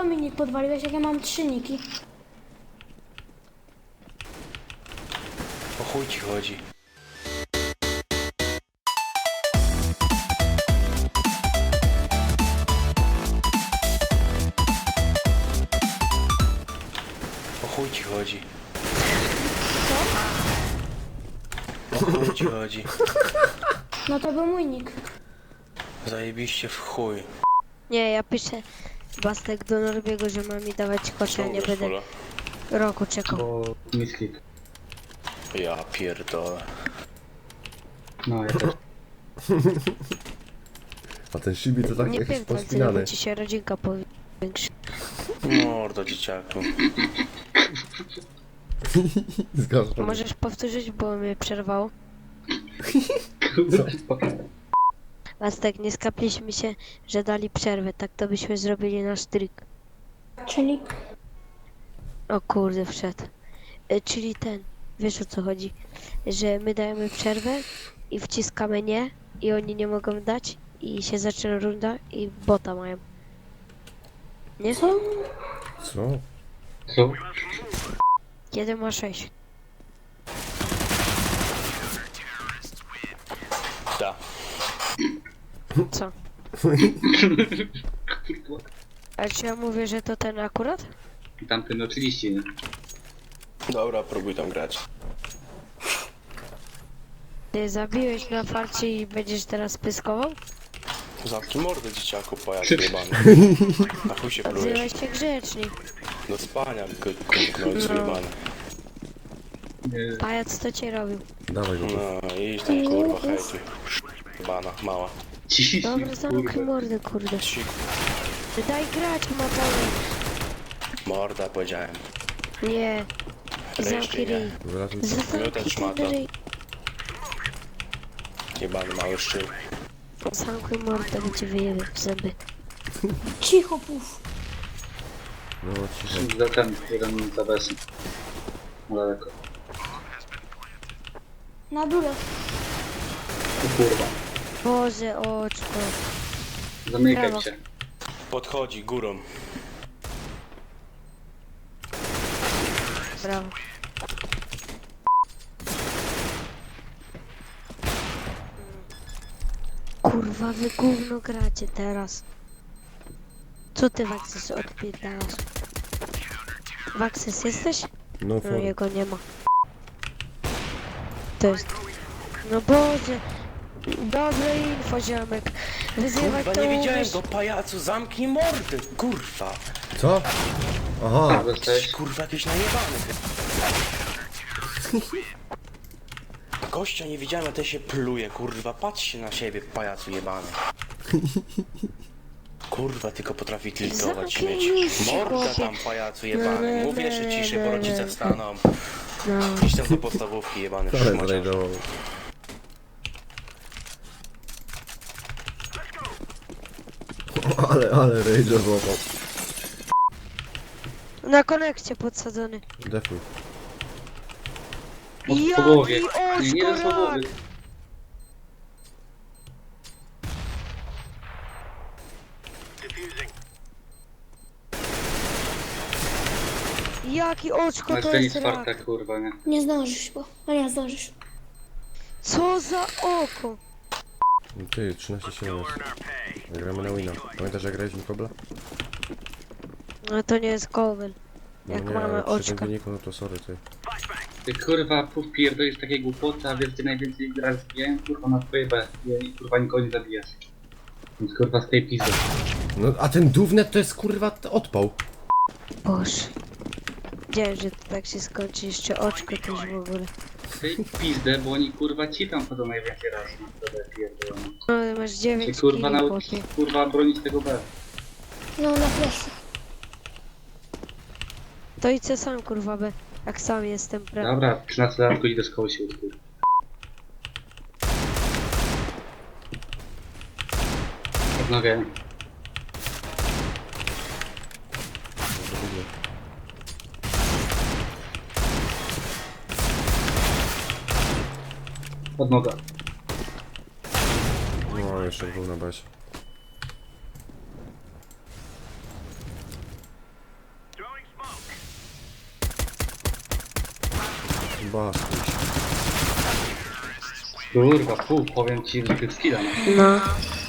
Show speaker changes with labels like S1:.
S1: mi nick podwaliłeś, jak ja mam 3 niki?
S2: O chuj ci chodzi. O chuj ci chodzi. O chuj ci chodzi.
S1: No to był mój nick.
S2: Zajebiście w chuj.
S3: Nie, ja piszę Bastek do Norbiego, że ma mi dawać kosze, ja nie
S2: Ciągle
S3: będę
S2: fula.
S3: roku czekał.
S4: Bo misklik.
S2: Ja pierdolę.
S4: No ja też.
S5: A ten Shibi to tak
S3: Nie
S5: jakiś
S3: pierdol,
S5: pospinany.
S3: bo ci się rodzinka powiększy.
S2: Mordo dzieciaku.
S5: Zgadzam.
S3: Możesz powtórzyć, bo mnie przerwało. Bastek, nie skapliśmy się, że dali przerwę, tak to byśmy zrobili nasz trik.
S1: Czyli
S3: O kurde, wszedł. Czyli ten, wiesz o co chodzi, że my dajemy przerwę i wciskamy nie i oni nie mogą dać i się zaczyna runda i bota mają. Nie?
S1: co?
S5: Co?
S4: Co?
S3: 1 ma 6.
S2: Da.
S3: Co? A czy ja mówię, że to ten akurat?
S4: Tamten oczywiście nie.
S2: Dobra, próbuj tam grać.
S3: Ty zabiłeś na farcie i będziesz teraz pyskował?
S2: Zamknij mordę dzieciaku, pajac jebany. Na chuj się plujesz.
S3: Odzywaj się grzecznie.
S2: Do spania, kurwa, zjebany.
S4: Nie.
S3: Pajac co cię robił?
S5: Dawaj go.
S2: No idź tam kurwa, hejtuj. Jebana, mała.
S4: Ciii,
S3: Dobra, zamknij
S4: kurwa.
S3: mordę, kurde.
S2: Ci
S3: Daj grać, motorem.
S2: morda powiedziałem.
S3: Nie. Zamknij
S2: Reszty nie.
S3: ryj.
S5: Wylatuj.
S2: Miotać szmata.
S3: Zamknij ryj.
S2: Jebany mały szczyl.
S3: Zamknij mordę, bo cię wyjebie w zęby.
S1: Cicho, puf.
S5: No cicho.
S4: Za ten, jeden za besem. Daleko.
S1: Na dole.
S4: O kurwa.
S3: Boże, oczko.
S4: Zamykaj
S3: Brawo.
S4: się.
S2: Podchodzi górą.
S3: Brawo. Kurwa, wy gówno gracie teraz. Co ty, Waxes, odpierdalasz? Waxes jesteś?
S5: No
S3: No,
S5: for.
S3: jego nie ma. To jest... No Boże. Dobre info, ziomek. Wyzywać
S2: Kurwa,
S3: to
S2: nie widziałem
S3: umiesz.
S2: go, pajacu, zamknij mordę, kurwa.
S5: Co? Aha.
S2: Jesteś kurwa jakiś najebany. Gościa nie widziałem, a ten się pluje, kurwa. Patrzcie na siebie, pajacu jebany. Kurwa, tylko potrafi tiltować
S3: Zamknij
S2: śmieć.
S3: się,
S2: Morda
S3: chłopie.
S2: tam, pajacu jebany. Mówię, że ciszej, bo rodzice wstaną.
S3: No.
S2: Idź tam do podstawówki, jebany
S5: Ale
S2: szmaciarz.
S5: zrajdował. Ale rage'a złapał.
S3: Na konekcie podsadzony.
S5: Defuj.
S4: Po głowie.
S3: Jaki
S4: Nie, nie do
S3: oszkorak!
S4: głowy.
S3: Jaki oczko
S4: Masz
S3: to
S4: to
S3: jest
S4: nic
S3: rak?
S4: farta, kurwa, nie?
S1: Nie zdążysz, bo... A nie zdążysz.
S3: Co za oko?
S5: Ty, 13-7 jest. Gramy na wina. Pamiętasz jak graliśmy kobla?
S3: No to nie jest kowel. Jak
S5: no nie,
S3: mamy
S5: ale przy tym
S3: oczka.
S5: wyniku, no to sorry ty.
S4: Ty kurwa, puf pierdolisz takie głupoty, a wiesz gdzie najwięcej raz zbijałem? Kurwa na twoje B. I kurwa nikogo nie zabijasz. Więc kurwa z tej pizdy.
S5: No a ten dównet to jest kurwa odpał.
S3: Boże. Wiedziałem, że to tak się skończy. Jeszcze oczko też w ogóle.
S4: Z tej pizdę, bo oni kurwa ci tam chodzą najwięcej razy na to B pierdolone.
S3: No masz
S4: Ty
S3: 9
S4: kurwa
S3: kili,
S4: naucz
S3: chłopie.
S4: kurwa bronić tego B.
S1: No, na fleszy.
S3: To i co sam kurwa be. Jak sam jestem, prawda?
S4: Dobra, 13 lat idę do szkoły się uczyć. Odnawiam. Od noga.
S5: No jeszcze był na basie. Bas.
S4: Kurwa, puf, powiem ci, że tych skilla ma.
S3: No.